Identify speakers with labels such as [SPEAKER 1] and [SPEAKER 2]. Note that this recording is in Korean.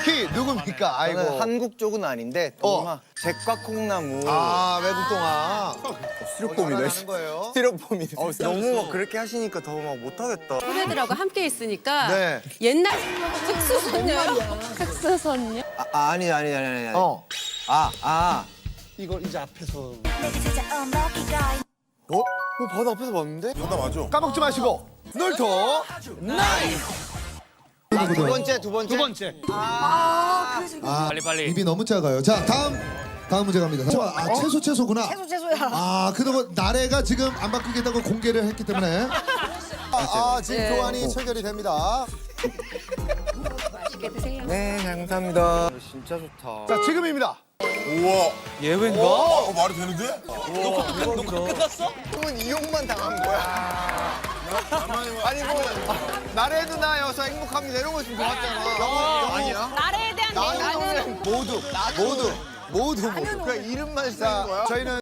[SPEAKER 1] 정확히 누굽니까? 아이고.
[SPEAKER 2] 저는 한국 쪽은 아닌데 동화 잭과 콩나무.
[SPEAKER 1] 아, 외국 동화.
[SPEAKER 2] 스티로폼이네.
[SPEAKER 1] 하는 거예요.
[SPEAKER 2] 스티로폼이네. 너무 막 그렇게 하시니까 더 막 못하겠다.
[SPEAKER 3] 후배들하고 함께 있으니까
[SPEAKER 1] 네.
[SPEAKER 3] 옛날 특수선녀요? 특수선녀?
[SPEAKER 2] 아니.
[SPEAKER 1] 이걸 이제 앞에서.
[SPEAKER 2] 바다 앞에서 봤는데?
[SPEAKER 4] 바다 맞아.
[SPEAKER 1] 까먹지 마시고. 놀토.
[SPEAKER 2] 두 번째.
[SPEAKER 5] 빨리.
[SPEAKER 6] 입이 너무 작아요. 자, 다음 문제 갑니다. 채소구나.
[SPEAKER 7] 채소야.
[SPEAKER 6] 아, 그동안 나래가 지금 안 바꾸겠다고 공개를 했기 때문에.
[SPEAKER 1] 지금
[SPEAKER 3] 네.
[SPEAKER 1] 교환이 체결이 됩니다.
[SPEAKER 3] 맛있게 드세요.
[SPEAKER 2] 네, 감사합니다. 진짜 좋다.
[SPEAKER 1] 자, 지금입니다.
[SPEAKER 4] 우와.
[SPEAKER 2] 예외인가?
[SPEAKER 4] 말이 되는데?
[SPEAKER 2] 형은 이용만 당한 거야. 아니 뭐 나래 누나여서 행복합니다 이런 거 있으면 좋았잖아. 아니야?
[SPEAKER 7] 나래에 대한
[SPEAKER 2] 나는 모두 그냥 이름만 쓰는 거야?
[SPEAKER 1] 저희는